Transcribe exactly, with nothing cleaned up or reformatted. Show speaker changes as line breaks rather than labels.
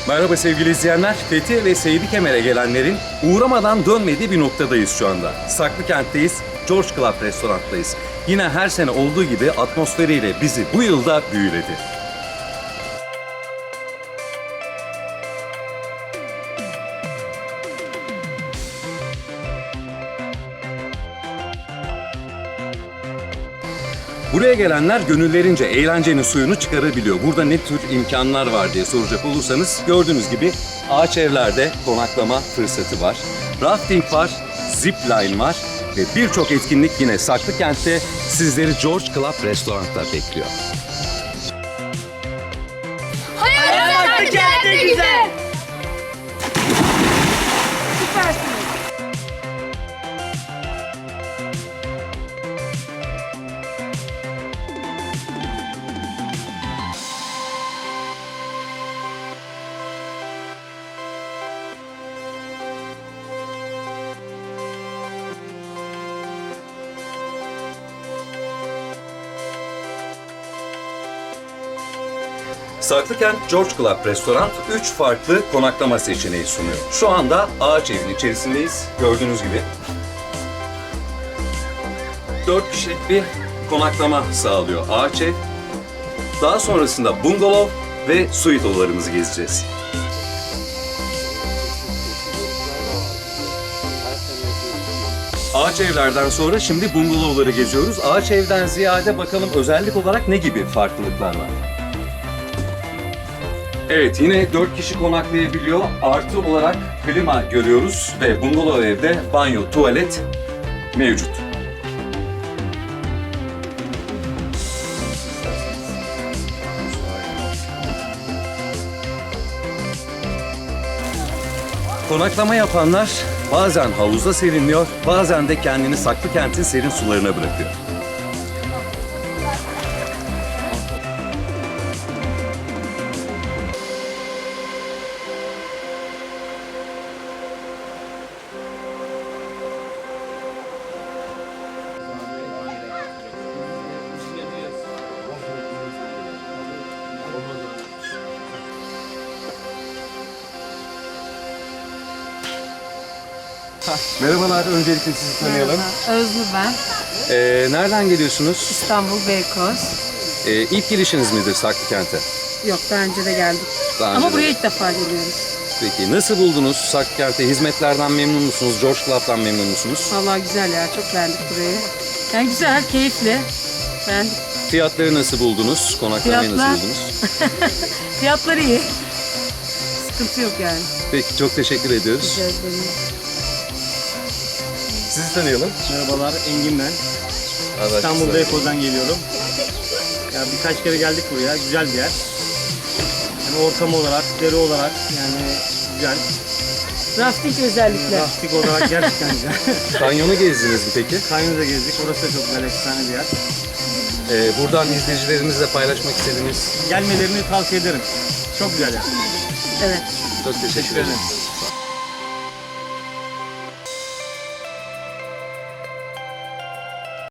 Merhaba sevgili izleyenler. Fethi ve Seydi Kemer'e gelenlerin uğramadan dönmediği bir noktadayız şu anda. Saklıkent'teyiz, George Club Restoran'tayız. Yine her sene olduğu gibi atmosferiyle bizi bu yılda büyüledi. Buraya gelenler gönüllerince eğlencenin suyunu çıkarabiliyor. Burada ne tür imkanlar var diye soracak olursanız gördüğünüz gibi ağaç evlerde konaklama fırsatı var. Rafting var, zip line var ve birçok etkinlik yine Saklıkent'te sizleri George Club Restoran'ta bekliyor.
Hayat Saklıkent'te güzel. Süpersiniz.
Saklıkent George Club Restoran üç farklı konaklama seçeneği sunuyor. Şu anda ağaç evin içerisindeyiz. Gördüğünüz gibi. dört kişilik bir konaklama sağlıyor ağaç ev. Daha sonrasında bungalov ve suite odalarımızı gezeceğiz. Ağaç evlerden sonra şimdi bungalovları geziyoruz. Ağaç evden ziyade bakalım özellik olarak ne gibi farklılıklar var? Evet, yine dört kişi konaklayabiliyor. Artı olarak klima görüyoruz ve bungalov evde banyo, tuvalet mevcut. Konaklama yapanlar bazen havuzda serinliyor, bazen de kendini Saklıkent'in serin sularına bırakıyor. Merhabalar, öncelikle sizi tanıyalım.
Özlü ben.
Ee, nereden geliyorsunuz?
İstanbul Beykoz.
Ee, ilk girişiniz midir Saklıkent'e?
Yok daha önce de geldik.
Daha önce
Ama
de.
buraya ilk defa geliyoruz.
Peki nasıl buldunuz Saklıkent'te? Hizmetlerden memnun musunuz? George Club'dan memnun musunuz?
Vallahi güzel ya, çok beğendik burayı. Yani güzel, keyifli. Beğendik.
Fiyatları nasıl buldunuz? Konaklamayı
Fiyatlar-
nasıl buldunuz?
Fiyatları iyi. Sıkıntı yok yani.
Peki çok teşekkür ediyoruz.
Rica ederim.
Sizi tanıyalım.
Merhabalar, Engin ben. İstanbul Beykoz'dan geliyorum. Ya birkaç kere geldik buraya, güzel bir yer. Yani ortam olarak, deri olarak yani güzel.
Rafting özellikle.
Lastik olarak gerçekten güzel.
Kanyonu gezdiniz mi peki?
Kayınıza gezdik, orası da çok güzel, efsane bir yer.
Ee, buradan izleyicilerimizle paylaşmak istediğiniz
Gelmelerini tavsiye ederim. Çok güzel yer.
Evet.
çok teşekkür
Teşekkür
ederim.
ederim.